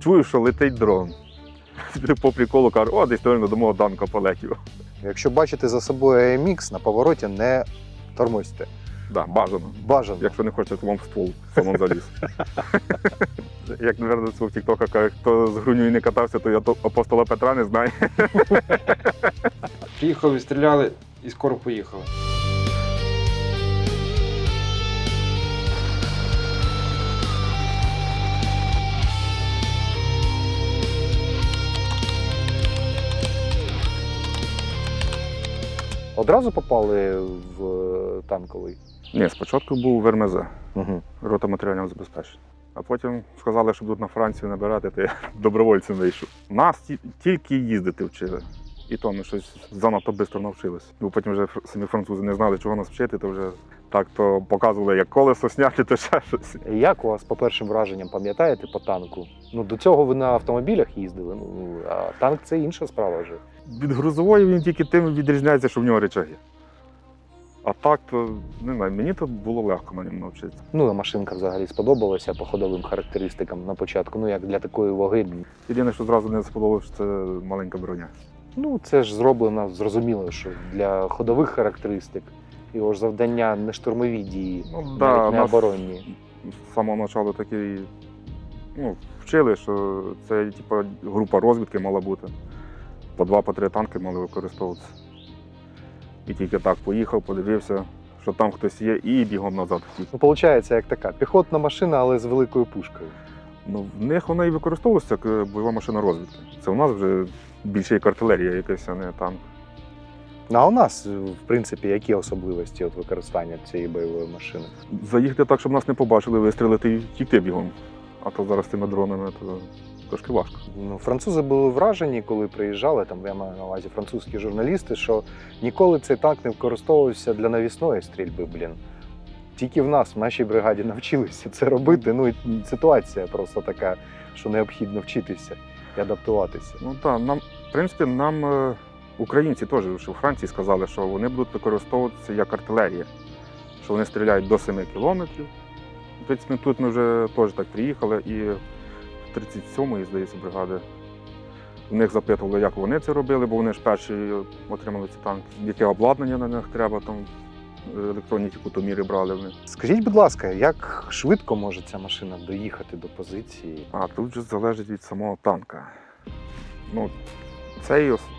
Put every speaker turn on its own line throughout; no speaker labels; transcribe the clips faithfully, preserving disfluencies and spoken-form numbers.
чую, що летить дрон. По приколу кажу, о, десь точно до мого танка полетів.
Якщо бачите за собою ей ем ікс, на повороті не тормозьте.
Да, бажано.
Бажано.
Якщо не хочете, то вам в ствол самому заліз. Як, мабуть, це в тіктоках каже, хто з грунею не катався, то я то апостола Петра не знаю.
Приїхали, відстріляли і скоро поїхали.
Одразу попали в танковий?
Ні, спочатку був в ер ем зет,
Угу.
рота матеріального забезпечення. А потім сказали, що будуть на Францію набирати, то я добровольцем вийшов. Нас ті- тільки їздити вчили. І то ми щось занадто швидко навчилися. Бо потім вже фр- самі французи не знали, чого нас вчити, то вже так то показували, як колесо сняти, то ще щось.
Як у вас по першим враженням пам'ятаєте по танку? Ну, до цього ви на автомобілях їздили, ну, а танк це інша справа вже.
Від грузової він тільки тим відрізняється, що в нього речаги. А так, то не знаю, мені то було легко на ньому навчитися.
Ну, а машинка взагалі сподобалася по ходовим характеристикам на початку, ну як для такої ваги.
Єдине, що зразу не сподобалося, це маленька броня.
Ну, це ж зроблено зрозуміло, що для ходових характеристик його ж завдання не штурмові дії,
Ну, да,
навіть не
нас
оборонні.
з самого початку такі, ну, вчили, що це типу, група розвідки мала бути. По два, по три танки мали використовуватися. І тільки так поїхав, подивився, що там хтось є, і бігом назад хотів.
Ну, виходить, як така піхотна машина, але з великою пушкою.
Ну, в них вона і використовувалася як е, бойова машина розвідки. Це у нас вже більше як артилерія якась, а не танк.
Ну, а у нас, в принципі, які особливості от використання цієї бойової машини?
Заїхати так, щоб нас не побачили, вистрілити і втікти бігом. А то зараз з тими дронами то трошки важко.
Ну, французи були вражені, коли приїжджали, там я маю на увазі французькі журналісти, що ніколи цей танк не використовувався для навісної стрільби, блін. Тільки в нас, в нашій бригаді, навчилися це робити. Ну, і ситуація просто така, що необхідно вчитися і адаптуватися.
Ну так, нам, в принципі, нам е, українці теж, що в Франції сказали, що вони будуть використовуватися як артилерія, що вони стріляють до семи кілометрів. В принципі, тут ми вже теж так приїхали, і в тридцять сьомої, здається, бригади. У них запитували, як вони це робили, бо вони ж перші отримали ці танки. Яке обладнання на них треба, там електронні ті кутоміри брали вони.
Скажіть, будь ласка, як швидко може ця машина доїхати до позиції?
А тут вже залежить від самого танка. Ну, цей ос-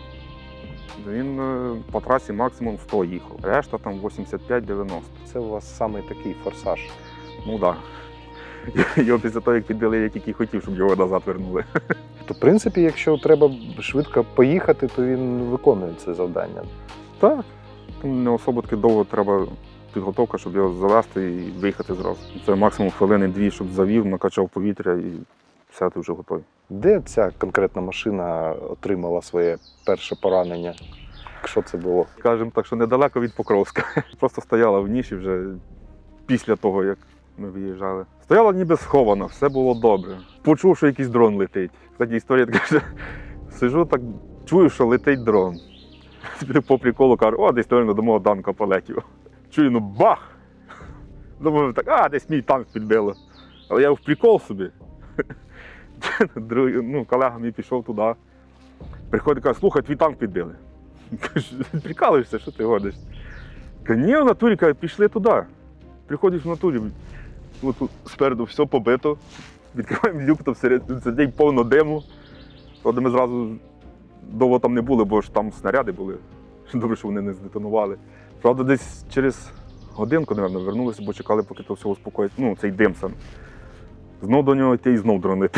він е, по трасі максимум сто їхав, решта там вісімдесят п'ять дев'яносто.
Це у вас саме такий форсаж.
Ну так. Да. Його після того, як підбили, я тільки хотів, щоб його назад вернули.
То, в принципі, якщо треба швидко поїхати, то він виконує це завдання.
Так. Там не особо таки довго треба підготовка, щоб його завести і виїхати зразу. Це максимум хвилини-дві, щоб завів, накачав повітря і все, ти вже готовий.
Де ця конкретна машина отримала своє перше поранення? Що це було?
Кажемо так, що недалеко від Покровська. Просто стояла в ніші вже після того, як ми виїжджали. Стояла ніби схована, все було добре. Почув, що якийсь дрон летить. Кстати, історія така, що сижу так, чую, що летить дрон. По приколу кажу, о, десь точно до мого танка полетів. Чую, ну бах! Думаю, так, а, десь мій танк підбило. Але я в прикол собі. Другий, ну, колега мій пішов туди. Приходить, каже, слухай, твій танк підбили. Кажу, прикалуєшся, що ти годиш? Каже, ні, в натурі, каже, пішли туди. Приходиш в натурі, от тут спереду все побито, відкриваємо люк, то всередині сидить повно диму. Тоді ми зразу довго там не були, бо ж там снаряди були. Добре, що вони не здетонували. Правда, десь через годинку, мабуть, вернулися, бо чекали, поки то все успокоїться. Ну, цей дим сам. Знов до нього йти і знов дронити.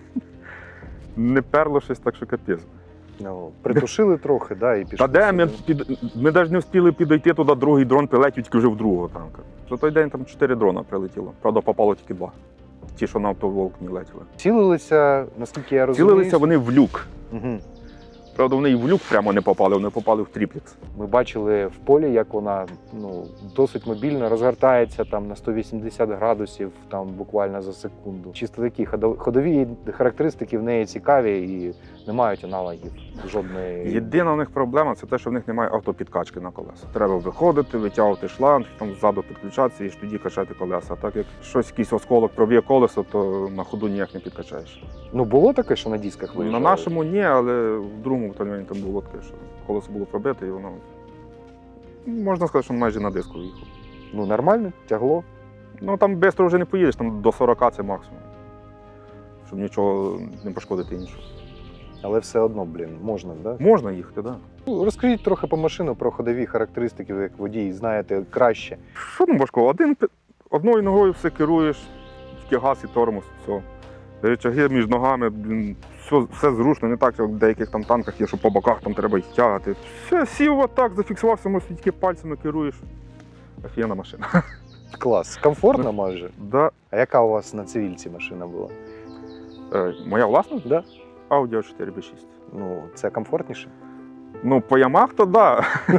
Не перло щось, так що капець.
Ну, притушили трохи, да, і пішли.
Та де ми,
собі.
під... ми навіть не встигли підійти туди, другий дрон прилетів тільки вже в другого танка. За той день там чотири дрона прилетіло. Правда, попало тільки два. Ті, що на автоволк не летіли.
Цілилися, наскільки я розумію.
Цілилися вони в люк.
Угу.
Правда, вони і в люк прямо не попали, вони попали в тріплікс.
Ми бачили в полі, як вона ну, досить мобільно розгортається там на сто вісімдесят градусів там, буквально за секунду. Чисто такі ходов- ходові характеристики в неї цікаві і не мають аналогів жодної.
Єдина у них проблема це те, що в них немає автопідкачки на колеса. Треба виходити, витягувати шланг, там ззаду підключатися і ж тоді качати колеса. А так як щось, якийсь осколок проб'є колесо, то на ходу ніяк не підкачаєш.
Ну було таке, що на дисках
На
виїжджали?
нашому ні, але в другому батальйоні там було таке, що колесо було пробите і воно. ну, Можна сказати, що майже на диску їхав.
Ну нормально, тягло.
Ну там швидко вже не поїдеш, там до сорока це максимум. Щоб нічого не пошкодити іншого.
Але все одно, блін, можна, да?
Можна їхати, так. Да.
Ну, розкажіть трохи по машину про ходові характеристики, ви як водій знаєте краще.
Що там важко? Один, пи- одною ногою все керуєш, тільки газ і тормоз, все. Речаги між ногами, блін, все, все зручно, не так, як в деяких там танках є, що по боках там треба їх тягати. Все, сів отак, зафіксувався, може, тільки пальцями керуєш. Офігенна машина.
Клас. Комфортно майже.
Да.
А яка у вас на цивільці машина була?
Е, моя власна?
Да?
Audi а чотири бі шість.
Ну, це комфортніше?
Ну, по ямах, то да.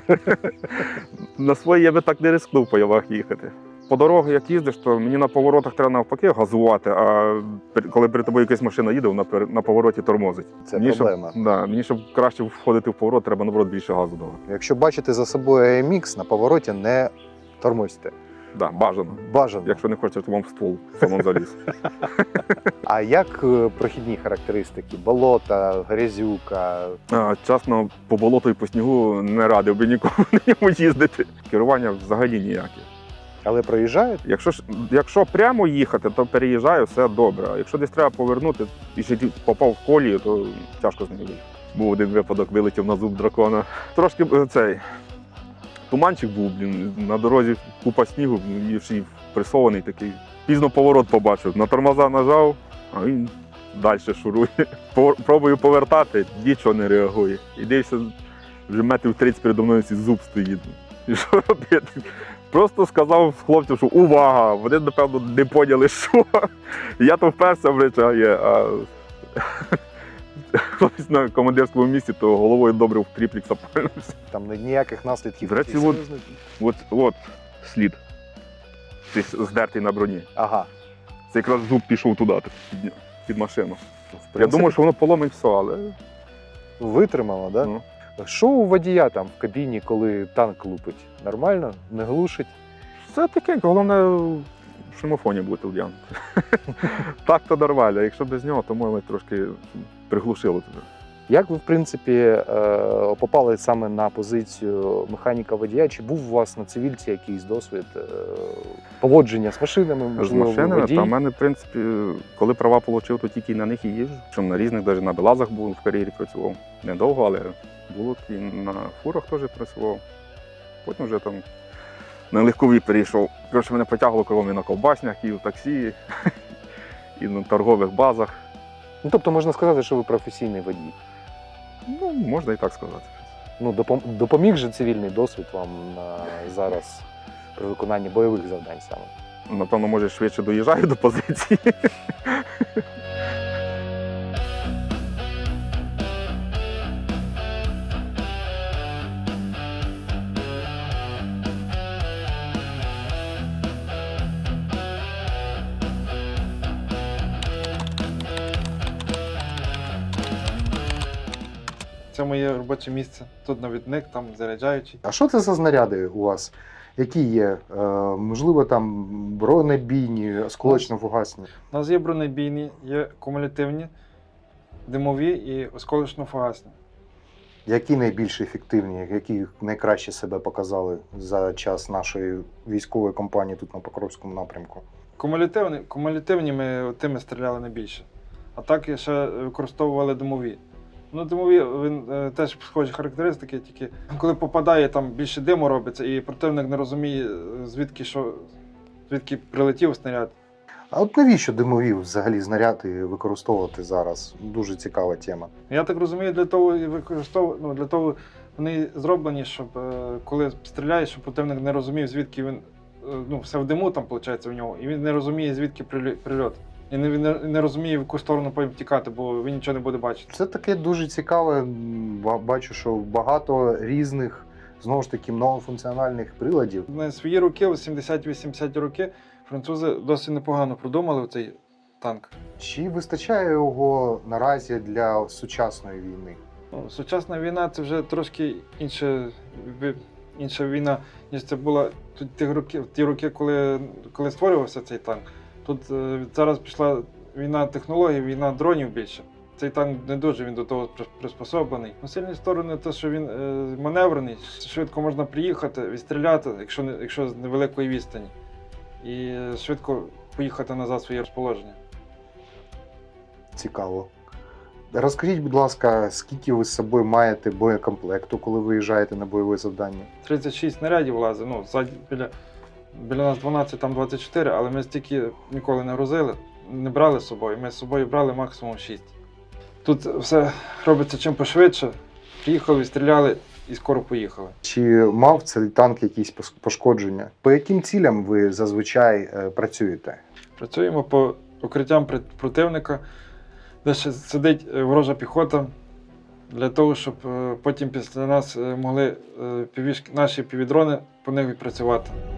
На своїй я би так не рискнув по ямах їхати. По дорогах, як їздиш, то мені на поворотах треба навпаки газувати, а пер- коли перед тобою якась машина їде, вона пер- на повороті тормозить.
Це
мені,
проблема.
Щоб, да, мені, щоб краще входити в поворот, треба, наоборот, більше газу давати.
Якщо бачите за собою ей ем ікс, на повороті не тормозьте.
Да, бажано.
Бажано.
Якщо не хочеш, то вам в ствол самому заліз.
А як е, прохідні характеристики? Болота, грязюка?
А, чесно, по болоту і по снігу не радив би нікому на ньому їздити. Керування взагалі ніяке.
Але проїжджають?
Якщо, ж- якщо прямо їхати, то переїжджаю, все добре. А якщо десь треба повернути і ще ті- попав в колію, то тяжко з ним виїхати. Був один випадок, вилетів на зуб дракона. Трошки е, цей туманчик був, блін, на дорозі купа снігу, і ще й пресований такий. Пізно поворот побачив, на тормоза нажав, а він далі шурує. Повер- Пробую повертати, нічого не реагує. І дивишся, вже метрів тридцять передо мною цей зуб стоїть. І що робити? Просто сказав хлопцям, що увага! Вони, напевно, не поняли, що. Я то вперся в речі, а хлопець на командирському місці, то головою добре в тріплік запалився.
Там ніяких наслідків.
До речі,
таких
от-
серйозних?
От, от слід. Цей здертий на броні.
Ага.
Це якраз зуб пішов туди, так, під, під машину.
В
Я
принципі,
думаю, що воно поломить все, але
витримало, да?
ну,
Що у водія там в кабіні, коли танк лупить? Нормально? Не глушить?
все такенько, головне в шумофоні бути вдягнути. Так то нормально, якщо без нього, то може трошки приглушило тебе.
Як ви, в принципі, е, попали саме на позицію механіка-водія? Чи був у вас на цивільці якийсь досвід е, поводження з машинами?
З
Можливо, ви
машинами,
водій?
та в мене, в принципі, коли права отримав, то тільки на них і їжджу. Чому на різних, навіть на Белазах був в кар'єрі працював. Недовго, але було і на фурах теж працював. Потім вже там на легкові перейшов. Коротше, мене потягло кругом і на ковбаснях, і в таксі, і на торгових базах.
Ну, тобто можна сказати, що ви професійний водій.
Ну, можна і так сказати.
Ну, допом- допоміг же цивільний досвід вам на зараз при виконанні бойових завдань саме?
Напевно, може, швидше доїжджаю до позиції.
Це моє робоче місце. Тут навідник, там заряджаючий.
А що це за знаряди у вас? Які є? Е, можливо, там бронебійні, осколочно-фугасні?
У нас є бронебійні, є кумулятивні, димові і осколочно-фугасні.
Які найбільш ефективні, які найкраще себе показали за час нашої військової кампанії тут на Покровському напрямку?
Кумулятивні, кумулятивні ми тими стріляли найбільше. А так ще використовували димові. Ну, димові він е, теж схожі характеристики, тільки коли попадає, там більше диму робиться, і противник не розуміє, е, звідки що, звідки прилетів снаряд.
А от навіщо димові взагалі знаряди використовувати зараз? Дуже цікава тема.
Я так розумію, для того і використовую, ну, для того вони зроблені, щоб е, коли стріляєш, щоб противник не розумів, звідки він, е, ну, все в диму там, виходить, у нього, і він не розуміє, звідки прилі- прильот. і не, не, не розуміє, в яку сторону потім тікати, бо він нічого не буде бачити.
Це таке дуже цікаве. М, ба- Бачу, що багато різних, знову ж таки, многофункціональних приладів.
На свої роки, в сімдесят-вісімдесяті роки, французи досить непогано продумали цей танк.
Чи вистачає його наразі для сучасної війни?
Ну, сучасна війна це вже трошки інша, ви- інша війна, ніж це була тут ті роки, ті роки, коли, коли створювався цей танк. Тут е, зараз пішла війна технологій, війна дронів більше. Цей танк не дуже він до того при- приспособлений. Ну, сильні сторони те, що він е, маневрений, швидко можна приїхати, відстріляти, якщо, не, якщо з невеликої відстані, і е, швидко поїхати назад в своє розположення.
Цікаво. Розкажіть, будь ласка, скільки ви з собою маєте боєкомплекту, коли виїжджаєте на бойове завдання?
тридцять шість снарядів влазить, ну, ззаді біля, біля нас дванадцять, там двадцять чотири, але ми стільки ніколи не грузили, не брали з собою. Ми з собою брали максимум шість. Тут все робиться чим пошвидше. Приїхали, відстріляли і скоро поїхали.
Чи мав цей танк якісь пос- пошкодження? По яким цілям ви зазвичай е, працюєте?
Працюємо по укриттям при- противника, де ще сидить е, ворожа піхота, для того, щоб е, потім після нас е, могли е, півішки- наші півдрони по них відпрацювати.